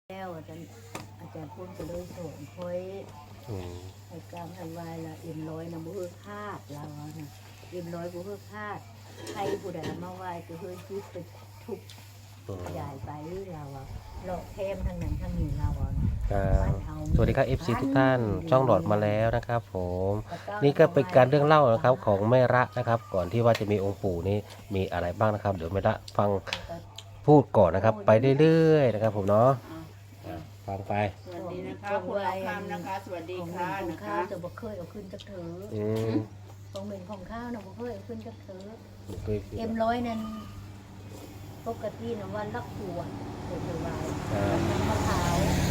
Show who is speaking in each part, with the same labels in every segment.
Speaker 1: แล้วอาจารย์พูดก็เลยส่งคอยไอ้การทำลายละเอ็มร้อยนะบุ้คาดเรานะเอ็มร้อยบุ้คาดใครผู้ใดมาไหว้ก็เฮ้ยคิดไปทุบขยายไปเราหลอกเทมทางนั้นทางนี้เรา
Speaker 2: สวัสดีครับ FC ทุกท่านช่องหลอดมาแล้วนะครับผมนี่ก็เป็นการเรื่องเล่านะครับของแม่ระนะครับก่อนที่ว่าจะมีองค์ปู่นี่มีอะไรบ้างนะครับเดี๋ยวแม่ระฟังพูดก่อนนะครับไปเรื่อยๆนะครับผมเนาะฟังไป
Speaker 3: สวัสดีนะคะคุณเราคำนะคะสวัสดีค่ะนะคะ
Speaker 1: จะบอกเคยเอาขึ้นจักเถอของเหม็นของข้าวนะบอกเคยเอาขึ้นจักเถอเอ็มร้อยนั้นปกตินะวันละขวดเดี๋ยวไว้มะพร้าว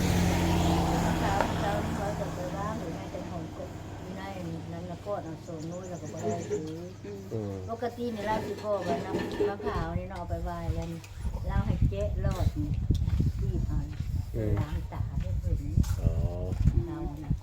Speaker 1: เราจะไปว่าหรือในแต่ของกบในนั้นแล้วก็เอาโซนนู้นแล้วก็ไปได้ซื้อปกติเนี่ยเราคือพ่อว่าน้ำมะพร้าวนี่เราเอาไปไหว้แล้วเราให้เจ๊รอดที่ผ่านล้างตาให้เห็นเรา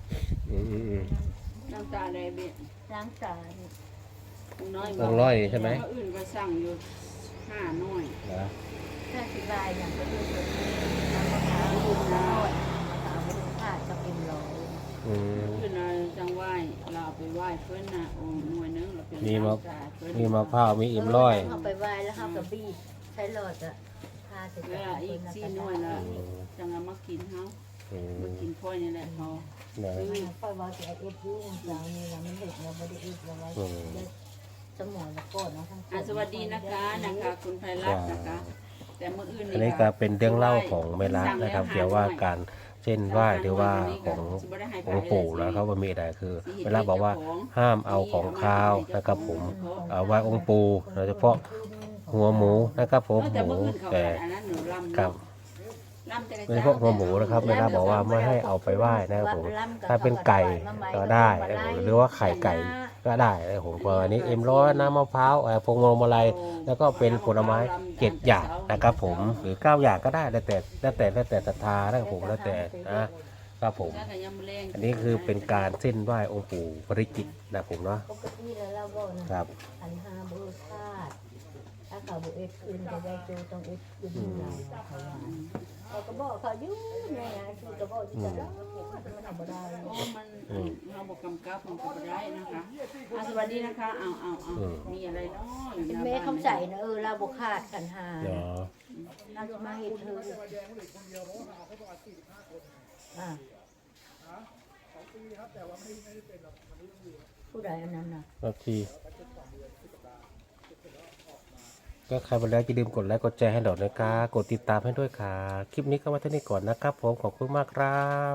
Speaker 3: น้ำตาแดงเบี้ย
Speaker 1: ล้างตา
Speaker 2: ร้อยใช่ไหม
Speaker 3: อื่นก็สั่งอยู่5 น้อย
Speaker 1: ถ้าสิบายอย่างก็คือน้ำมะพร้าวดูรอดมะพร้าวไม่ดูขาดกับเอ็มร้อย
Speaker 3: คือเราจังไหว้เราไปไหว้เพื่อนนะองค์หน่วยนึงเราเป็น
Speaker 2: มีมะพร้าวมีอิ่มร้อย
Speaker 1: เอาไปไหว้แล้วเขากับบี้ใช้หลอดอะพาเสร็จ
Speaker 3: แล้วอีก4 น้อยละจังมากินเขามากินพ่อยนี่แหละเขา
Speaker 1: ค่อยว่าจะเอฟยูเราเนี่ยเราไม่เด็กเราไม่ได้เอฟเราไว้สมองแล้วก็เนาะทั้ง
Speaker 3: สวัสดีนะคะคุณไพรัตน์นะคะแต่เมื่ออื่น
Speaker 2: อันนี้ก็เป็นเรื่องเล่าของแม่ระนะครับเกี่ยวว่าการเช่นไหว้หรือว่าขององค์ปู่แล้วเขาว่ามีอะไรคือแม่ระบอกว่าห้ามเอาของคาวนะครับผมไหว้องค์ปู่โดยเฉพาะหัวหมูนะครับผมหมูแต่กับโดยเฉพาะหัวหมูนะครับแม่ระบอกว่าไม่ให้เอาไปไหว้นะครับผมถ้าเป็นไก่ก็ได้หรือว่าไข่ไก่ก็ได้ผมวันนี้เอ็มร้อยน้ำมะพร้าวพวงมาลัยแล้วก็เป็นผลไม้7 อย่างนะครับผมหรือ9 อย่างก็ได้แล้วแต่ศรัทธานะครับผมแล้วแต่นะครับผมอันนี้คือเป็นการเส้นไหว้องค์ปู่ปริจิตรนะผมเนาะ
Speaker 1: ปกติแล้วเราบอกนะครับอันห้าบูชาถ้าเขาบุเอฟคืนจะได้จูต้องเอฟคืนเราก็บอกเขายุ่งไงคือก็บอกที่จะได้มันทำไม่ได้
Speaker 3: มันเราบอกกำกับมันก็ได้นะคะสวัสดีนะคะเอามีอะไรเนาะ
Speaker 1: แม่คำใส่นะเราบอกขาดกันหาเราจะมาเห็นเธอผู้ใดอันนั้นนะ
Speaker 2: ทีก็ใครมาแล้วอย่าลืมกดไลค์กดแชร์ให้หน่อยนะครับกดติดตามให้ด้วยค่ะคลิปนี้ก็ไว้เท่านี้ก่อนนะครับผมขอบคุณมากครับ